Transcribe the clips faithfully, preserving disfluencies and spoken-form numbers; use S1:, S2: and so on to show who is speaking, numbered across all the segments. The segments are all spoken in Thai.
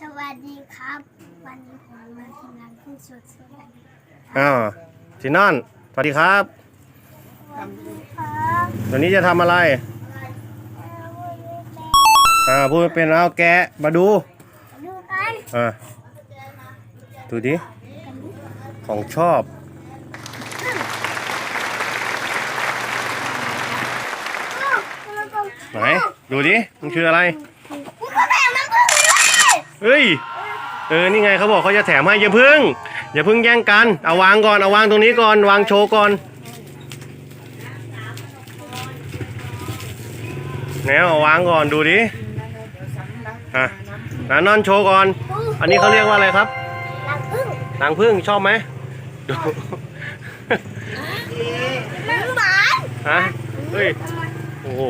S1: สวัสดีครับวันนี้ผมมาทำงานขึ้นสดสวัสดี
S2: อ้าวสินอนสวัสดีครับ
S1: ครับ
S2: วันนี้จะทำอะไรอ่าพูดไม่เป็นเอาแกะมาดู
S1: ดูกัน
S2: อ่าดูดิของชอบไหนดูดิมันคืออะไร
S1: กูก็แบ่งน้ำผึ้งด้วย
S2: เฮ้ยเออนี่ไงเขาบอกเขาจะแถมให้อย่าพึ่งอย่าพึ่งแย่งกันเอาวางก่อนเอาวางตรงนี้ก่อนวางโชว์ก่อนแนวเอาวางก่อนดูดิอ่ะนานอนโชว์ก่อนอันนี้เขาเรียกว่าอะไรครับ
S1: น้ำผึ้ง
S2: นางพึ่งชอบไหมดู
S1: น้ำหวาน
S2: ฮะเฮ้ยโอ้โห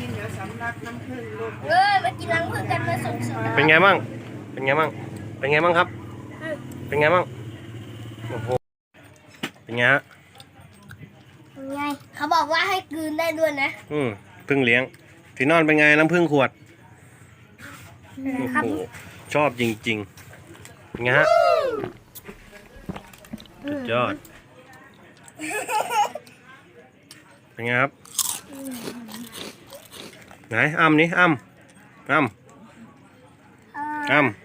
S1: เออมากินน้ำผึ้งกันมาสดๆ
S2: เป็นไงบ้างเป็นไงบ้างเป็นไงบ้างครับเป็นไงบ้างโอ้โหเป็นไงฮะ
S1: ไงเขาบอกว่าให้กลืนได้ด้วยนะ
S2: อืมพึ่งเลี้ยงที่นอนเป็นไงน้ำพึ่งขวด
S1: ครับ
S2: โอ้โหชอบจริงๆเป็นไงฮะสุดยอดเป็นไงครับไหนอ้ำนี่อ้ำอ้ำอ้ำ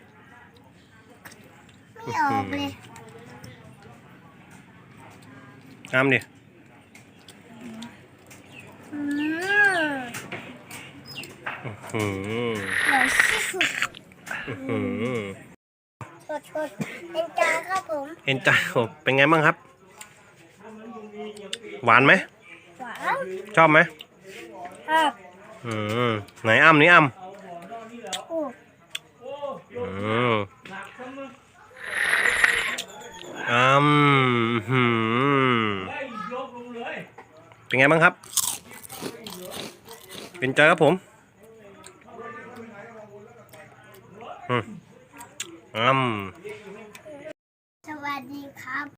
S1: ไม่ออกเลย
S2: อ้ำดิ
S1: อืม
S2: อืม
S1: อร่อยที่สุด
S2: อืม
S1: สดๆเป็นจานครับผม
S2: เอ็นจายผมเป็นไงบ้างครับ หวานไหม
S1: หวาน
S2: ชอบไหม
S1: ครับ
S2: อืมไหนอ้ำนี่อ้ำ
S1: โอ้
S2: อืมอ้ำหืมเป็นไงบ้างครับ เป็นใจครับผมอืมอ้ำ
S1: สวัสดีครับ